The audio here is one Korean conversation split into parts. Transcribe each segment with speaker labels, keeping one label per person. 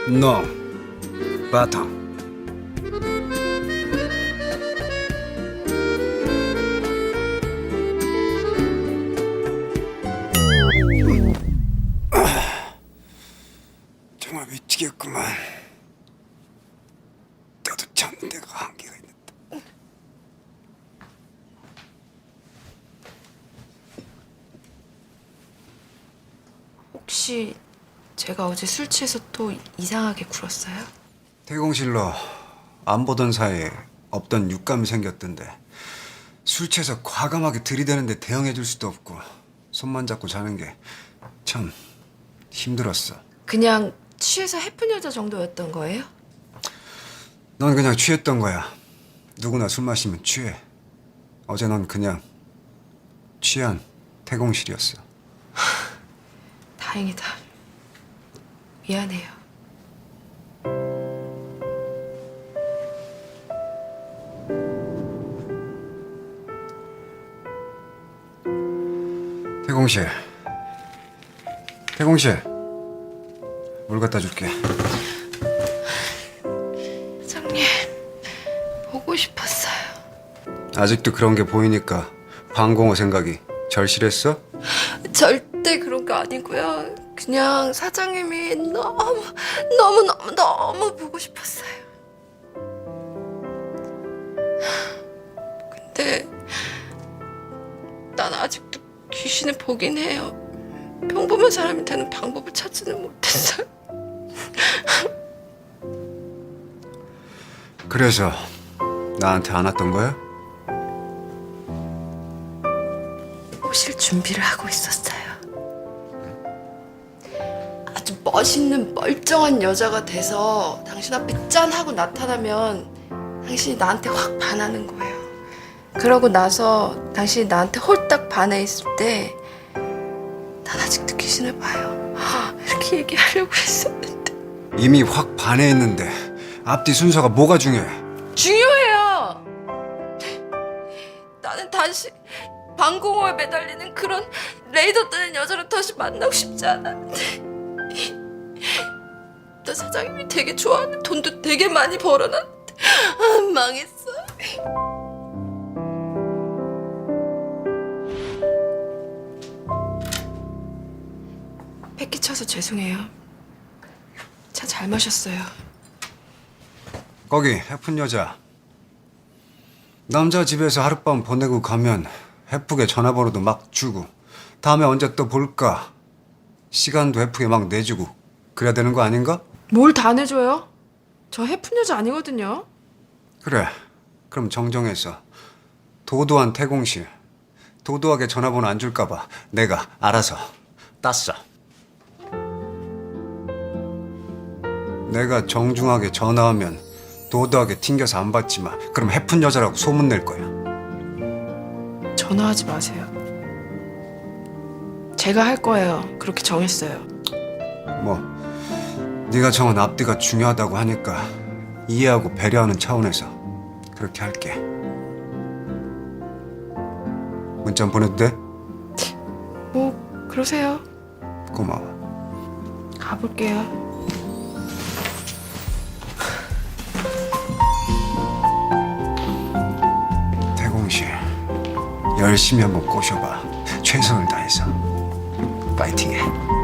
Speaker 1: No. 바탕. 정말 미치겠구만. 나도 참는 데가 한계가 있는데.
Speaker 2: 혹시 제가 어제 술 취해서 또 이상하게 굴었어요?
Speaker 1: 대공실로 안 보던 사이에 없던 육감이 생겼던데 술 취해서 과감하게 들이대는데 대응해 줄 수도 없고 손만 잡고 자는 게 참 힘들었어.
Speaker 2: 그냥 취해서 해픈 여자 정도였던 거예요?
Speaker 1: 넌 그냥 취했던 거야. 누구나 술 마시면 취해. 어제 넌 그냥 취한 태공실이었어.
Speaker 2: 다행이다. 미안해요.
Speaker 1: 태공실. 태공실. 물 갖다 줄게.
Speaker 2: 사장님, 보고 싶었어요.
Speaker 1: 아직도 그런 게 보이니까 방공호 생각이 절실했어?
Speaker 2: 절대 그런 거 아니고요. 그냥 사장님이 너무 보고 싶었어요. 근데 난 아직도 귀신을 보긴 해요. 평범한 사람이 되는 방법을 찾지는 못했어요.
Speaker 1: 그래서 나한테 안 왔던 거야?
Speaker 2: 오실 준비를 하고 있었어요. 아주 멋있는 멀쩡한 여자가 돼서 당신 앞에 짠 하고 나타나면 당신이 나한테 확 반하는 거예요. 그러고 나서 당신이 나한테 홀딱 반해 있을 때 난 아직도 귀신을 봐요. 이렇게 얘기하려고 했었는데.
Speaker 1: 이미 확 반해있는데 앞뒤 순서가 뭐가 중요해?
Speaker 2: 중요해요. 나는 다시 방공호에 매달리는 그런 레이더 뜨는 여자를 다시 만나고 싶지 않았는데. 나 사장님이 되게 좋아하는 돈도 되게 많이 벌어놨는데 망했어. 패기 쳐서 죄송해요. 차 잘 마셨어요.
Speaker 1: 거기 해픈 여자. 남자 집에서 하룻밤 보내고 가면 해프게 전화번호도 막 주고 다음에 언제 또 볼까 시간도 해프게 막 내주고 그래야 되는 거 아닌가?
Speaker 2: 뭘 다 내줘요? 저 해픈 여자 아니거든요.
Speaker 1: 그래. 그럼 정정해서 도도한 태공실 도도하게 전화번호 안 줄까 봐 내가 알아서 땄어. 내가 정중하게 전화하면 도도하게 튕겨서 안 받지만 그럼 해픈 여자라고 소문낼 거야.
Speaker 2: 전화하지 마세요. 제가 할 거예요. 그렇게 정했어요.
Speaker 1: 뭐 네가 정한 앞뒤가 중요하다고 하니까 이해하고 배려하는 차원에서 그렇게 할게. 문자 보내도 돼?
Speaker 2: 뭐 그러세요.
Speaker 1: 고마워.
Speaker 2: 가볼게요.
Speaker 1: 대공실 열심히 한번 꼬셔봐. 최선을 다해서 파이팅해.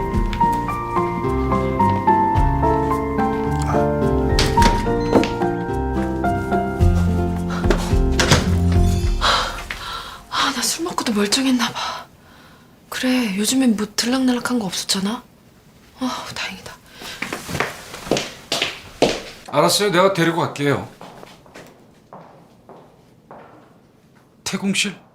Speaker 2: 나 술 먹고도 멀쩡했나 봐. 그래, 요즘엔 뭐 들락날락한 거 없었잖아. 다행이다.
Speaker 3: 알았어요. 내가 데리고 갈게요. 태공실?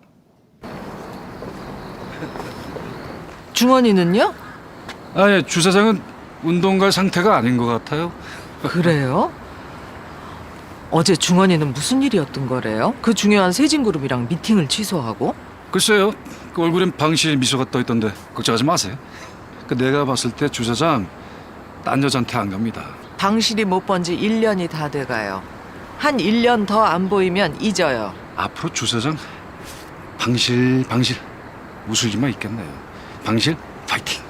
Speaker 4: 중원이는요?
Speaker 3: 예, 주사장은 운동 갈 상태가 아닌 것 같아요.
Speaker 4: 그래요? 어제 중원이는 무슨 일이었던 거래요? 그 중요한 세진그룹이랑 미팅을 취소하고?
Speaker 3: 글쎄요. 그 얼굴엔 방실 미소가 떠 있던데 걱정하지 마세요. 그 내가 봤을 때 주사장 딴 여자한테 안 갑니다.
Speaker 4: 방실이 못 본 지 1년이 다 돼가요. 한 1년 더 안 보이면 잊어요.
Speaker 3: 앞으로 주사장 방실 웃을 일만 있겠네요. 방실 파이팅.